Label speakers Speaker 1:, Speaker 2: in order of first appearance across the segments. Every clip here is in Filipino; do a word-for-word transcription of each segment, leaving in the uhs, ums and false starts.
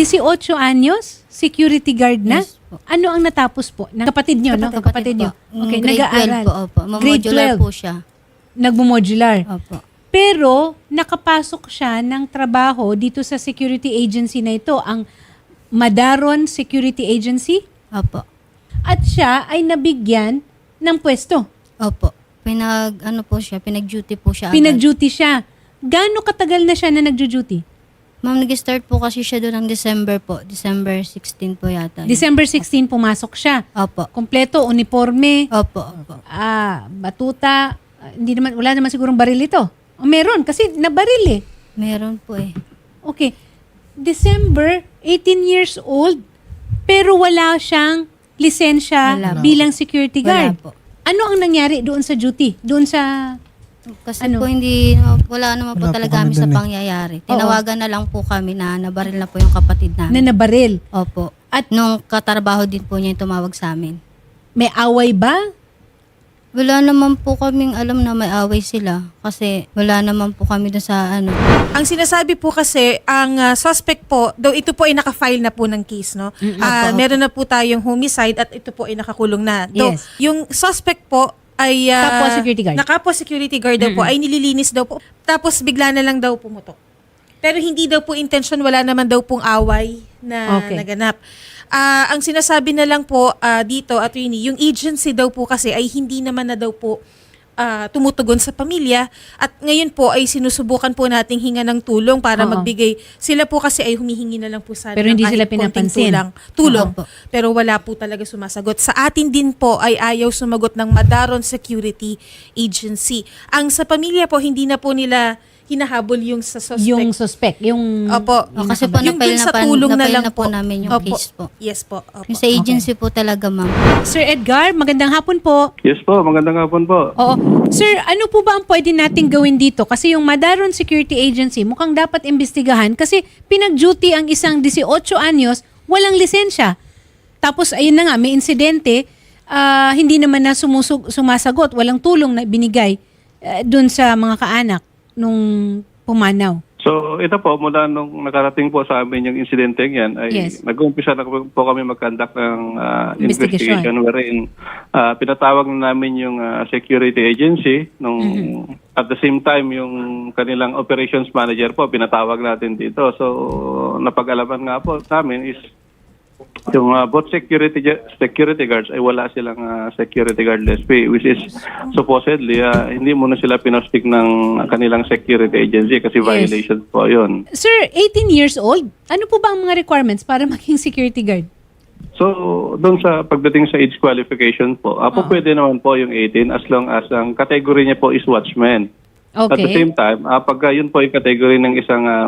Speaker 1: eighteen anyos, security guard na?
Speaker 2: Yes po.
Speaker 1: Ano ang natapos po? Ng kapatid nyo, no?
Speaker 2: Kapatid
Speaker 1: Kapatid nyo.
Speaker 2: po. Mm,
Speaker 1: Okay,
Speaker 2: grade
Speaker 1: nag-aaral.
Speaker 2: twelve po, opo.
Speaker 1: Grade
Speaker 2: Mamodular
Speaker 1: twelve.
Speaker 2: po siya.
Speaker 1: Nagmo-modular.
Speaker 2: Opo.
Speaker 1: Pero nakapasok siya ng trabaho dito sa security agency na ito, ang Madaron Security Agency,
Speaker 2: Opo.
Speaker 1: at siya ay nabigyan ng pwesto.
Speaker 2: Opo. Pinag, ano po siya, pinag-duty po siya. agad.
Speaker 1: Pinag-duty siya. Gaano katagal na siya na nag-duty?
Speaker 2: Ma'am, nag-start po kasi siya doon ng December po. December sixteen po yata.
Speaker 1: December sixteen pumasok siya.
Speaker 2: Opo.
Speaker 1: Kompleto, uniforme,
Speaker 2: Opo, opo.
Speaker 1: ah, batuta, ah, hindi naman, wala naman sigurong baril ito. O, meron, kasi nabaril eh.
Speaker 2: Meron po eh.
Speaker 1: Okay. December, eighteen years old, pero wala siyang lisensya
Speaker 2: Wala po.
Speaker 1: bilang security
Speaker 2: Wala
Speaker 1: guard.
Speaker 2: po.
Speaker 1: Ano ang nangyari doon sa duty? Doon sa...
Speaker 2: Kasi
Speaker 1: Ano?
Speaker 2: po hindi, wala naman po
Speaker 3: Wala po
Speaker 2: talaga
Speaker 3: kami
Speaker 2: kami sa
Speaker 3: dun eh.
Speaker 2: pangyayari. Tinawagan na lang po kami na nabaril na po yung kapatid
Speaker 1: na
Speaker 2: namin.
Speaker 1: nabaril?
Speaker 2: Opo. At nung katrabaho din po niya yung tumawag sa amin.
Speaker 1: May away ba?
Speaker 2: Wala naman po kaming alam na may away sila. Kasi wala naman po kami dun sa ano.
Speaker 4: Ang sinasabi po kasi, ang ah, suspect po, though ito po ay naka-file na po ng case, no? Ah,
Speaker 2: Opo,
Speaker 4: meron na po tayong homicide at ito po ay nakakulong na. Though,
Speaker 1: Yes.
Speaker 4: yung suspect po ay... ah,
Speaker 1: Kapwa security guard.
Speaker 4: Nakapwa security guard daw po, ay nililinis daw po. Tapos bigla na lang daw pumutok. Pero hindi daw po intention, wala naman daw pong away na
Speaker 1: Okay.
Speaker 4: naganap. Ah, ang sinasabi na lang po ah, dito, attorney, yung agency daw po kasi ay hindi naman na daw po ah, tumutugon sa pamilya at ngayon po ay sinusubukan po nating hinga ng tulong para
Speaker 1: Oo.
Speaker 4: magbigay. Sila po kasi ay humihingi na lang po sana
Speaker 1: Pero
Speaker 4: ng
Speaker 1: hindi
Speaker 4: kahit
Speaker 1: sila
Speaker 4: konting
Speaker 1: pinapansin.
Speaker 4: Tulang, tulong.
Speaker 2: Oo po.
Speaker 4: Pero wala po talaga sumasagot. Sa atin din po ay ayaw sumagot ng Madaron Security Agency. Ang sa pamilya po, hindi na po nila hinahabol yung sa suspect.
Speaker 1: Yung suspect, yung...
Speaker 4: Opo.
Speaker 2: O, kasi po
Speaker 4: Yung
Speaker 2: na-file
Speaker 4: dun
Speaker 2: na,
Speaker 4: sa
Speaker 2: pa,
Speaker 4: tulong na
Speaker 2: na-file
Speaker 4: lang
Speaker 2: na po
Speaker 4: po.
Speaker 2: namin yung
Speaker 4: Opo.
Speaker 2: case po.
Speaker 4: Yes po. Opo.
Speaker 2: Yung sa agency po talaga, ma'am.
Speaker 1: Sir Edgar, magandang hapon po.
Speaker 5: Yes po, magandang hapon po.
Speaker 1: Oo. Sir, ano po ba ang pwede nating gawin dito? Kasi yung Madaron Security Agency mukhang dapat imbestigahan kasi pinag-duty ang isang eighteen anyos, walang lisensya. Tapos ayun na nga, may insidente, ah, hindi naman na sumusug, sumasagot, walang tulong na binigay uh, dun sa mga kaanak nung pumanaw.
Speaker 5: So ito po, mula nung nakarating po sa amin yung insidente yan, ay
Speaker 1: Yes.
Speaker 5: nag-umpisa na po kami mag-conduct ng ah,
Speaker 1: Investigation.
Speaker 5: investigation wherein ah, pinatawag na namin yung ah, security agency nung at the same time yung kanilang operations manager po pinatawag natin dito. So napag-alaman nga po namin is yung ah, both security security guards ay wala silang ah, security guard L S P, which is supposedly ah, hindi muna sila pinostik ng kanilang security agency kasi
Speaker 1: Yes.
Speaker 5: violation po yun.
Speaker 1: Sir, eighteen years old, ano po ba ang mga requirements para maging security guard?
Speaker 5: So, doon sa pagdating sa age qualification po,
Speaker 1: Ah.
Speaker 5: apo pwede naman po yung eighteen as long as ang category niya po is watchman. At the
Speaker 1: Okay.
Speaker 5: same time, uh, pagka yun po yung category ng isang um,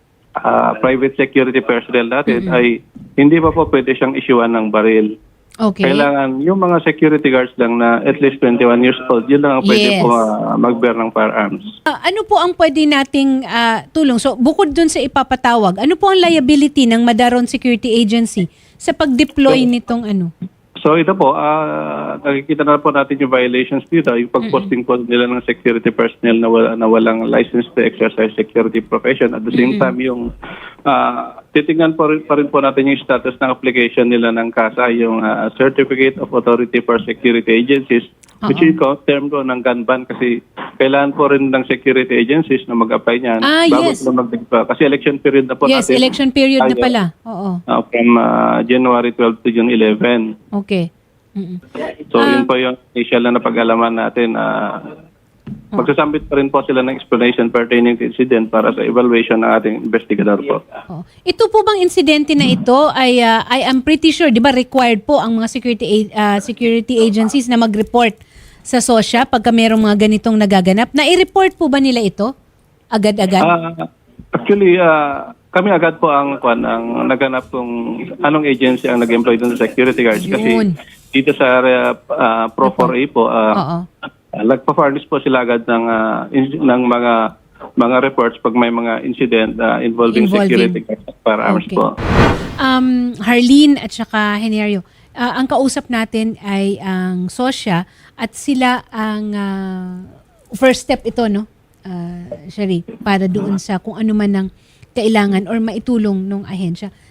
Speaker 5: ah, private security personnel natin, ay hindi pa po pwede siyang issuean ng baril.
Speaker 1: Okay.
Speaker 5: Kailangan yung mga security guards lang na at least twenty-one years old, yun lang ang pwede
Speaker 1: Yes.
Speaker 5: po ah, mag-bear ng firearms.
Speaker 1: Ah, ano po ang pwede nating ah, tulong? So, bukod dun sa ipapatawag, ano po ang liability ng Madaron Security Agency sa pag-deploy nitong ano?
Speaker 5: So ito po, ah, nakikita na po natin yung violations dito, yung pag-posting po nila ng security personnel na, wala, na walang license to exercise security profession. At the same time, yung ah, titingnan po rin, pa rin po natin yung status ng application nila ng C A S A, yung ah, Certificate of Authority for Security Agencies, which is ko, term ko ng gun ban kasi kailangan po rin ng security agencies na mag-apply niyan
Speaker 1: Ah,
Speaker 5: bago
Speaker 1: yes.
Speaker 5: sila mag- kasi election period na po
Speaker 1: Yes,
Speaker 5: natin.
Speaker 1: election period na
Speaker 5: Tayo,
Speaker 1: pala. Oo.
Speaker 5: ah, from ah, January twelfth to June eleventh.
Speaker 1: Okay. Mm-mm.
Speaker 5: So,
Speaker 1: Ah.
Speaker 5: yun po yung initial na napag-alaman natin. Uh, magsasambit pa rin po sila ng explanation pertaining to incident para sa evaluation ng ating investigador po.
Speaker 1: Oo. Ito po bang insidente na ito ay ah, I am pretty sure, 'di ba, required po ang mga security a- ah, security agencies na mag-report sa SOSYA pagka mayroong mga ganitong nagaganap. Na-i-report po ba nila ito agad-agad?
Speaker 5: Ah, actually, ah, kami agad po ang, kwan, ang naganap kung anong agency ang nag-employ dun sa security guards. Kasi
Speaker 1: Yun.
Speaker 5: dito sa area uh, Pro four A po,
Speaker 1: Oo.
Speaker 5: uh, nagpa-furnish po sila agad ng, ah, in- ng mga mga reports pag may mga incident ah, involving,
Speaker 1: Involving.
Speaker 5: security guards at firearms
Speaker 1: Okay.
Speaker 5: po.
Speaker 1: Um, Harleen at saka Henario, ah, ang kausap natin ay ang SOSYA at sila ang ah, first step ito, no? Uh, Shari, para doon sa kung ano man ang kailangan or maitulong ng ahensya.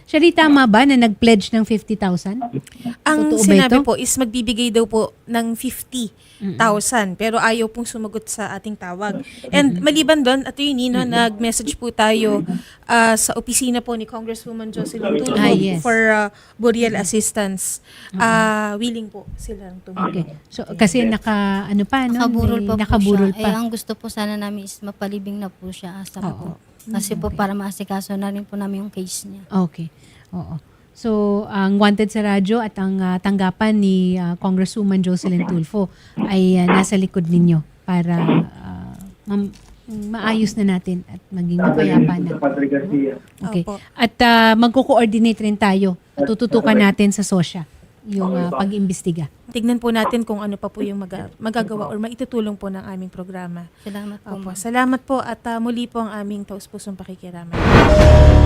Speaker 1: Siya rin tama ba na nag-pledge ng fifty thousand?
Speaker 4: Ang
Speaker 1: Totoo ba
Speaker 4: sinabi
Speaker 1: ito?
Speaker 4: po is magbibigay daw po ng fifty thousand pero ayaw pong sumagot sa ating tawag. And maliban doon, attorney, no, nag-message po tayo ah, sa opisina po ni Congresswoman Jocelyn Tulfo
Speaker 1: Ah, yes.
Speaker 4: for ah, burial assistance. Ah, willing po silang tumulong.
Speaker 1: Okay. So, kasi naka, ano pa, no?
Speaker 2: Nakaburol
Speaker 1: May-
Speaker 2: pa po
Speaker 1: nakaburol
Speaker 2: siya.
Speaker 1: pa.
Speaker 2: Eh, ang gusto po sana namin is mapalibing na po siya asa
Speaker 1: Oo.
Speaker 2: po. Kasi po para maasikaso na rin po namin yung case niya.
Speaker 1: Okay. Oo. So, ang Wanted sa Radyo at ang ah, tanggapan ni ah, Congresswoman Jocelyn Tulfo ay ah, nasa likod ninyo para ah, ma- maayos na natin at maging mapayapa na. Okay.
Speaker 4: Opo.
Speaker 1: At ah, magko-coordinate rin tayo. Tututukan natin sa SOSYA yung ah, pag-imbestiga.
Speaker 4: Tignan po natin kung ano pa po yung mag- magagawa or maitutulong po ng aming programa.
Speaker 2: Salamat po.
Speaker 4: Opo.
Speaker 2: ma'am.
Speaker 4: Salamat po at ah, muli po ang aming taus-pusong pakikiramay.